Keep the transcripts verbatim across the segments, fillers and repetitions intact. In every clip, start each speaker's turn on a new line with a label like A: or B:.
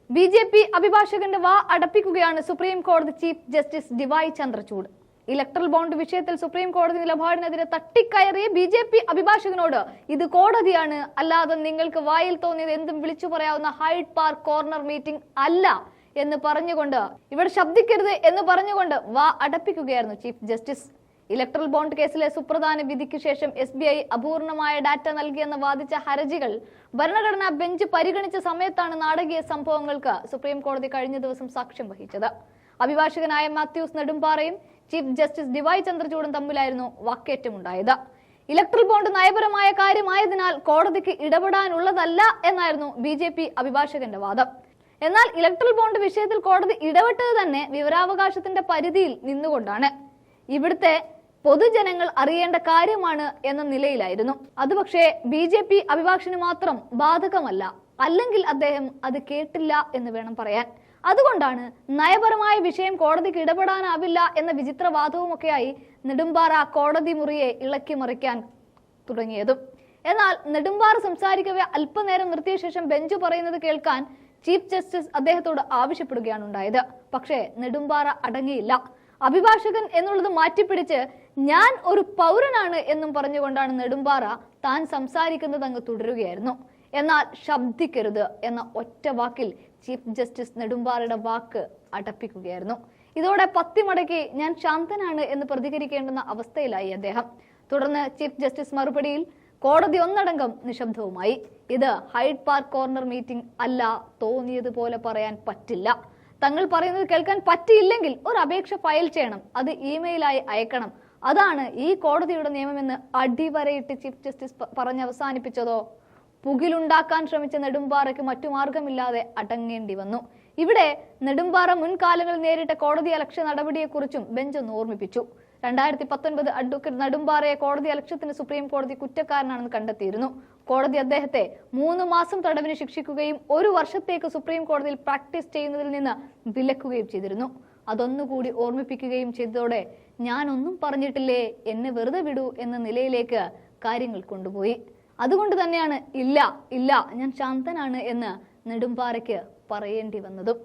A: B J P അഭിഭാഷകന്റെ വാ അടപ്പിക്കുകയാണ് സുപ്രീം കോടതി chief justice DY Chandrachud. Electoral bond വിഷയത്തിൽ സുപ്രീം കോടതി നിലപാടിനെതിരെ തട്ടിക്കയറിയ ബി ജെ പി അഭിഭാഷകനോട് ഇത് കോടതിയാണ്, അല്ലാതെ നിങ്ങൾക്ക് വായിൽ തോന്നിയത് എന്തും വിളിച്ചു പറയാവുന്ന ഹൈഡ് പാർക്ക് കോർണർ മീറ്റിംഗ് അല്ല എന്ന് പറഞ്ഞുകൊണ്ട്, ഇവിടെ ശബ്ദിക്കരുത് എന്ന് പറഞ്ഞുകൊണ്ട് വാ അടപ്പിക്കുകയായിരുന്നു ചീഫ് ജസ്റ്റിസ്. ഇലക്ട്രൽ ബോണ്ട് കേസിലെ സുപ്രധാന വിധിക്ക് ശേഷം എസ് ബി ഐ അപൂർണമായ ഡാറ്റ നൽകിയെന്ന് വാദിച്ച ഹർജികൾ ഭരണഘടനാ ബെഞ്ച് പരിഗണിച്ച സമയത്താണ് നാടകീയ സംഭവങ്ങൾക്ക് സുപ്രീം കോടതി കഴിഞ്ഞ ദിവസം സാക്ഷ്യം വഹിച്ചത്. അഭിഭാഷകനായ മാത്യൂസ് നെടുമ്പാറയും ചീഫ് ജസ്റ്റിസ് ഡിവൈ ചന്ദ്രചൂഡും തമ്മിലായിരുന്നു വാക്കേറ്റമുണ്ടായത്. ഇലക്ട്രൽ ബോണ്ട് നയപരമായ കാര്യമായതിനാൽ കോടതിക്ക് ഇടപെടാനുള്ളതല്ല എന്നായിരുന്നു ബി ജെ പി അഭിഭാഷകന്റെ വാദം. എന്നാൽ ഇലക്ട്രൽ ബോണ്ട് വിഷയത്തിൽ കോടതി ഇടപെട്ടത് തന്നെ വിവരാവകാശത്തിന്റെ പരിധിയിൽ നിന്നുകൊണ്ടാണ്. ഇവിടുത്തെ പൊതുജനങ്ങൾ അറിയേണ്ട കാര്യമാണ് എന്ന നിലയിലായിരുന്നു അത്. പക്ഷേ ബി ജെ പി അഭിഭാഷകന് മാത്രം ബാധകമല്ല, അല്ലെങ്കിൽ അദ്ദേഹം അത് കേട്ടില്ല എന്ന് വേണം പറയാൻ. അതുകൊണ്ടാണ് നയപരമായ വിഷയം കോടതിക്ക് ഇടപെടാനാവില്ല എന്ന വിചിത്രവാദവുമൊക്കെയായി നെടുമ്പാറ കോടതി മുറിയെ ഇളക്കി മറിക്കാൻ തുടങ്ങിയതും. എന്നാൽ നെടുമ്പാറ സംസാരിക്കവേ അല്പനേരം നിർത്തിയ ശേഷം ബെഞ്ച് പറയുന്നത് കേൾക്കാൻ ചീഫ് ജസ്റ്റിസ് അദ്ദേഹത്തോട് ആവശ്യപ്പെടുകയാണ് ഉണ്ടായത്. പക്ഷേ നെടുമ്പാറ അടങ്ങിയില്ല. അഭിഭാഷകൻ എന്നുള്ളത് മാറ്റിപ്പിടിച്ച് ഞാൻ ഒരു പൗരനാണ് എന്നും പറഞ്ഞുകൊണ്ടാണ് നെടുമ്പാറ താൻ സംസാരിക്കുന്നത് അങ്ങ് തുടരുകയായിരുന്നു. എന്നാൽ ശബ്ദിക്കരുത് എന്ന ഒറ്റ വാക്കിൽ ചീഫ് ജസ്റ്റിസ് നെടുമ്പാറയുടെ വാക്ക് അടപ്പിക്കുകയായിരുന്നു. ഇതോടെ പത്തിമടക്കി ഞാൻ ശാന്തനാണ് എന്ന് പ്രതികരിക്കേണ്ടുന്ന അവസ്ഥയിലായി അദ്ദേഹം. തുടർന്ന് ചീഫ് ജസ്റ്റിസ് മറുപടിയിൽ കോടതി ഒന്നടങ്കം നിശബ്ദവുമായി. ഇത് ഹൈഡ് പാർക്ക് കോർണർ മീറ്റിംഗ് അല്ല, തോന്നിയതുപോലെ പറയാൻ പറ്റില്ല. തങ്ങൾ പറയുന്നത് കേൾക്കാൻ പറ്റിയില്ലെങ്കിൽ ഒരു അപേക്ഷ ഫയൽ ചെയ്യണം, അത് ഇമെയിലായി അയക്കണം. അതാണ് ഈ കോടതിയുടെ നിയമമെന്ന് അടിവരയിട്ട് ചീഫ് ജസ്റ്റിസ് പറഞ്ഞ് അവസാനിപ്പിച്ചതോ. പുകിലുണ്ടാക്കാൻ ശ്രമിച്ച നെടുമ്പാറയ്ക്ക് മറ്റു മാർഗമില്ലാതെ അടങ്ങേണ്ടി വന്നു. ഇവിടെ നെടുമ്പാറ മുൻകാലങ്ങളിൽ നേരിട്ട കോടതി അലക്ഷ്യ നടപടിയെക്കുറിച്ചും ബെഞ്ച് ഒന്ന് ഓർമ്മിപ്പിച്ചു. രണ്ടായിരത്തി പത്തൊൻപത് അഡ്വക്കേറ്റ് നെടുമ്പാറയെ കോടതി അലക്ഷ്യത്തിന് സുപ്രീം കോടതി കുറ്റക്കാരനാണെന്ന് കണ്ടെത്തിയിരുന്നു. കോടതി അദ്ദേഹത്തെ മൂന്ന് മാസം തടവിന് ശിക്ഷിക്കുകയും ഒരു വർഷത്തേക്ക് സുപ്രീം കോടതിയിൽ പ്രാക്ടീസ് ചെയ്യുന്നതിൽ നിന്ന് വിലക്കുകയും ചെയ്തിരുന്നു. അതൊന്നുകൂടി ഓർമ്മിപ്പിക്കുകയും ചെയ്തതോടെ ഞാൻ ഒന്നും പറഞ്ഞിട്ടില്ലേ, എന്നെ വെറുതെ വിടൂ എന്ന നിലയിലേക്ക് കാര്യങ്ങൾ കൊണ്ടുപോയി. അതുകൊണ്ട് തന്നെയാണ് ഇല്ല ഇല്ല ഞാൻ ശാന്തനാണ് എന്ന് നെടുമ്പാറയ്ക്ക് പറയേണ്ടി വന്നതും.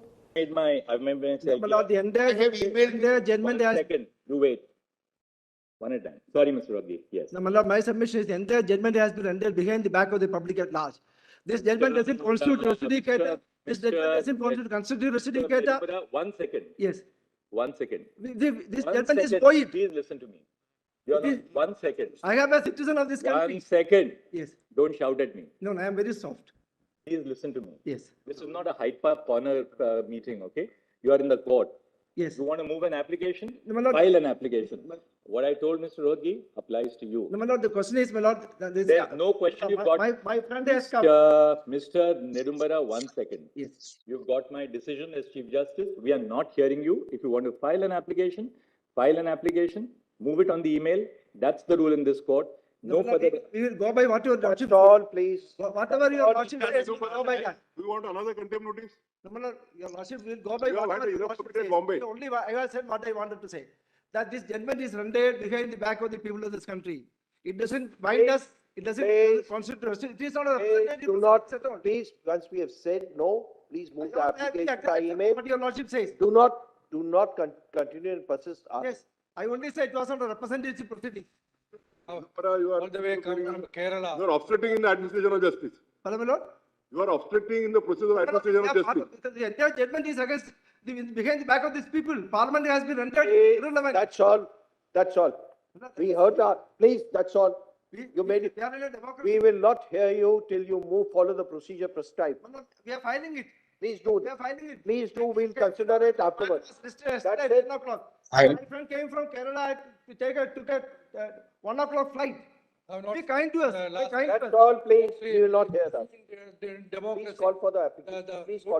B: One at a time. Sorry, Mister Raghi. Yes.
C: No, my lord, my submission is the entire judgment has been rendered behind the back of the public at large. This judgment doesn't constitute recidicator. This judgment doesn't constitute constitute recidicator.
B: One second.
C: Yes.
B: One second.
C: This
B: One
C: judgment
B: second.
C: is void.
B: Please listen to me. You are not. One second.
C: I am a citizen of this country.
B: One second.
C: Yes.
B: Don't shout at me.
C: No, I am very soft.
B: Please listen to me.
C: Yes.
B: This is not a Hyde Park corner uh, meeting, okay? You are in the court.
C: Yes.
B: You want to move an application?
C: No, my lord.
B: File an application. What I told Mister Raghi applies to you.
C: No, my lord, the question is, my lord, this,
B: There is no question you've got.
C: my, my friend has come.
B: Uh, Mister Nedumbara, one second.
C: Yes.
B: You've got my decision as Chief Justice. We are not hearing you. If you want to file an application, file an application, move it on the email. That's the rule in this court. No,
C: No, my lord,
B: further.
C: we will go by what your lordship.
D: All, please.
C: Whatever your lordship says, we will go by that.
E: Do you want another contempt notice?
C: No, my lord, your lordship will go by
E: You have
C: whatever
E: had
C: your
E: enough
C: lordship
E: of it in
C: says.
E: Bombay.
C: Only wha- I have said what I wanted to say. That this judgment is rendered behind the back of the people of this country. It doesn't bind
D: Please,
C: us. It doesn't
D: please.
C: constitute us. It is not a
D: Please
C: representative
D: do not,
C: process at all.
D: please, once we have said no, please move the
C: I- I- I-
D: application
C: I-
D: by email.
C: What your lordship says.
D: Do not, do not con- continue and persist. Uh,
C: Yes, I only said it was not a representative proceeding.
E: But you are,
F: All the way come from Kerala.
E: you are obstructing in the administration of justice.
C: Pardon, my lord?
E: You are obstructing in the process of
C: No, no,
E: administration of
C: yeah,
E: justice.
C: because the entire judgment is against, the, behind the back of these people. Parliament has been rendered
D: eh,
C: irrelevant.
D: That's all, that's all. We heard that, please, that's all.
C: We-
D: You made it.
C: We are in a democracy.
D: We will not hear you till you move, follow the procedure prescribed.
C: No, no, We are filing it.
D: Please do,
C: We are filing it.
D: please do, we'll consider it afterwards.
C: It was listed yesterday
D: That's
C: at
D: it.
C: ten o'clock.
F: I-
C: My friend came from Kerala to take a, took a, uh, one o'clock flight.
F: Have not-
C: Be kind to us,
F: Uh,
C: be
F: last-
C: kind to us.
D: That's all, please, we will not hear that.
F: The
D: Please
F: democracy.
D: call for the
F: The-
D: application,
F: the-
D: please call.